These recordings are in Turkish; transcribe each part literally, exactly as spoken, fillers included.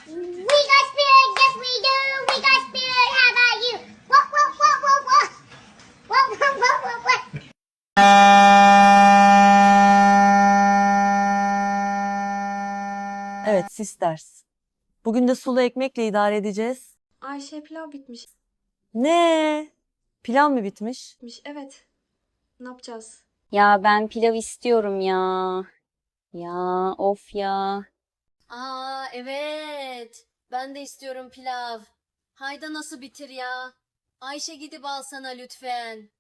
We got spirit, yes we do. We got spirit, how about you? What, what, what, what, what? What, what, what, what, what? Evet, sisters. Bugün de sulu ekmekle idare edeceğiz. Ayşe pilav bitmiş. Ne? Pilav mı bitmiş? Evet. Ne yapacağız? Ya ben pilav istiyorum ya. Ya of ya. Aa evet. Ben de istiyorum pilav. Hayda nasıl bitir ya? Ayşe gidip alsana lütfen.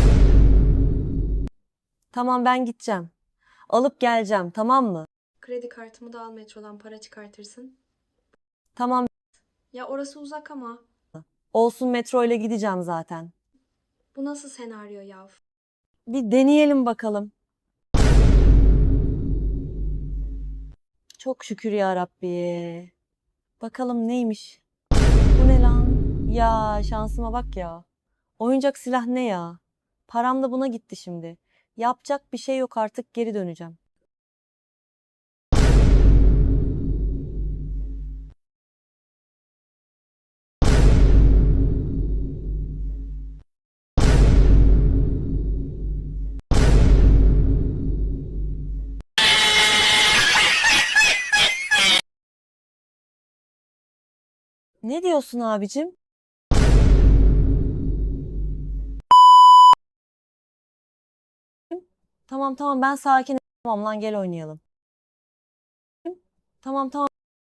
Tamam ben gideceğim. Alıp geleceğim, tamam mı? Kredi kartımı da al, metrodan para çıkartırsın. Tamam, Ya orası uzak ama. olsun, metro ile gideceğim zaten. Bu nasıl senaryo yav? Bir deneyelim bakalım. Çok şükür ya Rabbi. Bakalım neymiş? Bu ne lan? Ya şansıma bak ya. Oyuncak silah ne ya? Param da buna gitti şimdi. Yapacak bir şey yok, artık geri döneceğim. Ne diyorsun abicim? Tamam tamam ben sakinim. Tamam lan, gel oynayalım. Tamam tamam.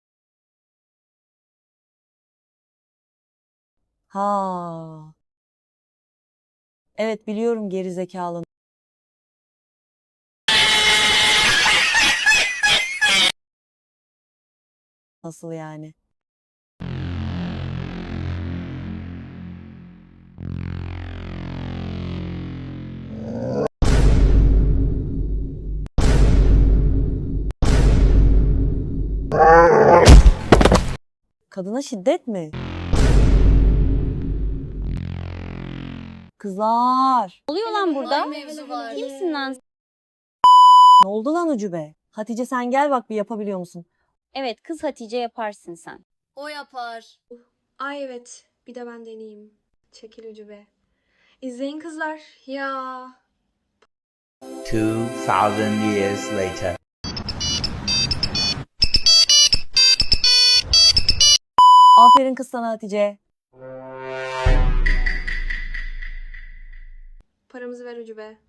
Ha. Evet biliyorum, geri zekalı. Nasıl yani? Kadına şiddet mi? Kızlar. Ne oluyor lan burada? Mevzu var. Kimsin lan? Ne oldu lan Ucube? Hatice sen gel bak, bir yapabiliyor musun? Evet, kız Hatice yaparsın sen. O yapar. Ay evet. Bir de ben deneyeyim. Çekil ucu be. İzleyin kızlar. Ya. Two thousand years later. Aferin kız sana Hatice. Paramızı ver ucu be.